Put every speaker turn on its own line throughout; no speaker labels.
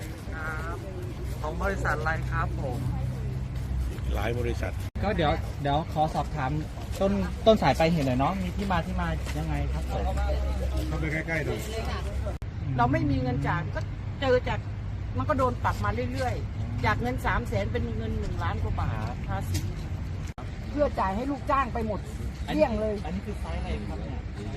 ครับของบริษัทอะไรครับผม
หลายบริษัท
ก็เดี๋ยวขอสอบถามต้นสายไปเหตุหน่อยเนาะมีที่มายังไงครับผม
เข้าไปใกล้ๆดู
เราไม่มีเงินจ่ายก็เจอจากมันก็โดนปรับมาเรื่อยๆจากเงิน300,000เป็นเงิน1 ล้านกว่าบาทภาษีเพื่อจ่ายให้ลูกจ้างไปหมดเลี่ยงเลย
อันนี้คือไซส์อะไรครับเนี่ย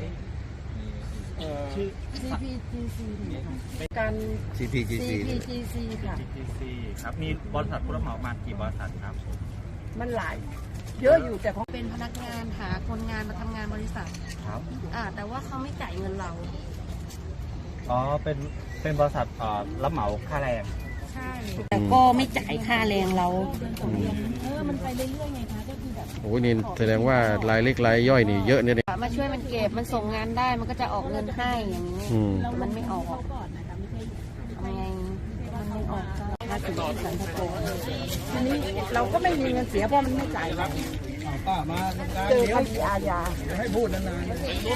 ชื่อ CPGC การ
CPGC
ค่ะ
CPGC ครับมีบริษัทผู้รับเหมามากี่บริษัทครับ
มันหลายเยอะอยู่แต่ของ
เป็นพนักงานหาคนงานมาทำงานบริษัท
ครับ
แต่ว่าเขาไม่จ่ายเงินเรา
อ๋อเป็นบริษัทรับเหมาค่าแรง
ใช่แต่ก็ไม่จ่ายค่าแรงเรามันไปเรื่อยๆไงคะก็คือแบบ
โอ้นี่แสดงว่ารายเล็กรายย่อยนี่เยอะเนี่ย
มาช่วยมันเก็บมันส่งงานได้มันก็จะออกเงินให้อย่างนี้มันไม่ออกทำไงมันไม่ออกภาษีสันทโก
ทีนี้เราก็ไม่มีเงินเสียเพราะมันไม่จ่ายเรา
ป้ามา
เจอคดีอาญา
ให้พูดนานๆ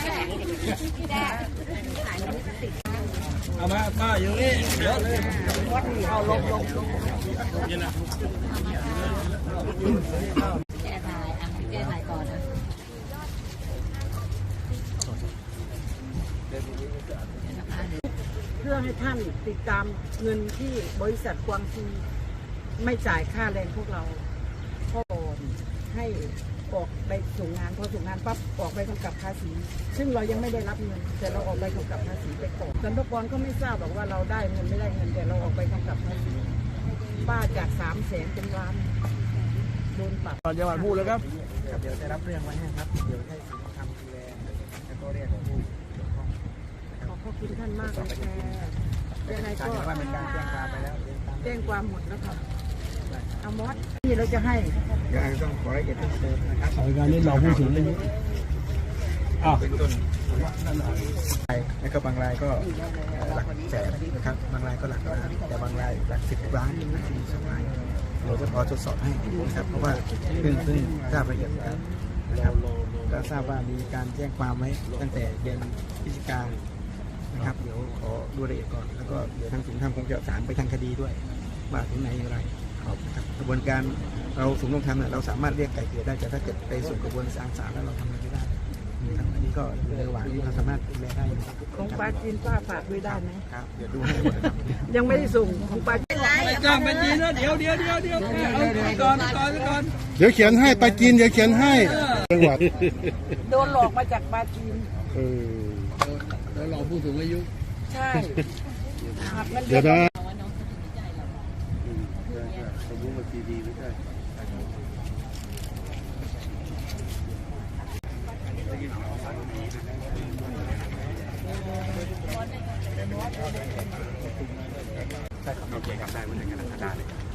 เอามาป้าอยู่นี่เยอะเลย
เอาลง
แก้ถ่ายก่อนนะ
เพื่อให้ท่านติดตามเงินที่บริษัทกวางซีไม่จ่ายค่าแรงพวกเราก็ให้ออกไปส่งงานพอส่งงานปั๊บออกไปกำกับภาษีซึ่งเรายังไม่ได้รับเงินแต่เราออกไปกำกับภาษีไปก่อนสรรพากรก็ไม่ทราบหรอกว่าเราได้เงินไม่ได้เงินแต่เราออกไปกำกับภาษีป้าจาก300,000เป็นล้านโดนปรับ
ตอนจังหวัดพูดแล้วครับเดี๋ยวจะรับเรื่องไว้ให้ครับเดี๋ยวให้สินทำดูแลแล้วก็เรียกผู้เกี่ยวข้อง
ขอบคุณท่านมากเลยยังไงก็
ว่าเป็นการแจ้งความไปแล้ว
แจ้งความหมดแล้วค่ะเอามอสนี่เราจะให้
ยังต้องขอละเอียดเพิ่มเติมนะครับการนี้เราพูดถึงเรื่องนี้เป็นต้นแล้วก็บางรายก็หลักแสนนะครับบางรายก็หลักล้านแต่บางรายหลัก10 ล้าน12 ล้านเราจะพอตรวจสอบให้นะครับเพราะว่าเพิ่งทราบละเอียดแล้วนะครับก็ทราบว่ามีการแจ้งความไว้ตั้งแต่เดือนพฤศจิกายนนะครับเดี๋ยวขอดูรายละเอียดก่อนแล้วก็เดี๋ยวทางศูนย์ทำคงจะสารไปทางคดีด้วยว่าถึงไหนอย่างไรกระบวนการเราสูงลงทำเนี่ยเราสามารถเรียกไก่เกลี่ยได้แต่ถ้าเกิดไปสู่กระบวนการศาลแล้วเราทำอะไรไม่ได้อันนี้ก็อยู่ในระหว่างที่เราสามารถดูแลได้
ของปลาจีนป้าฝากด้วยได้ไหม
ครับเดี๋ยวดูให้หมดครับ
ยังไม่ได้ส่งของปลาจีน
ไม่จ้างปลาจีนนะเดี๋ยวเอาก่อน
เดี๋ยวเขียนให้ปลาจีนเดี๋ยวเขียนให้จังหวัด
โดนหลอกมาจากปลาจีน
แล้วเราผู้สูงอายุ
ใช่
เดี๋ยวนะ
ใช่ครับโอเคครับได้เหมือนกันได้เลย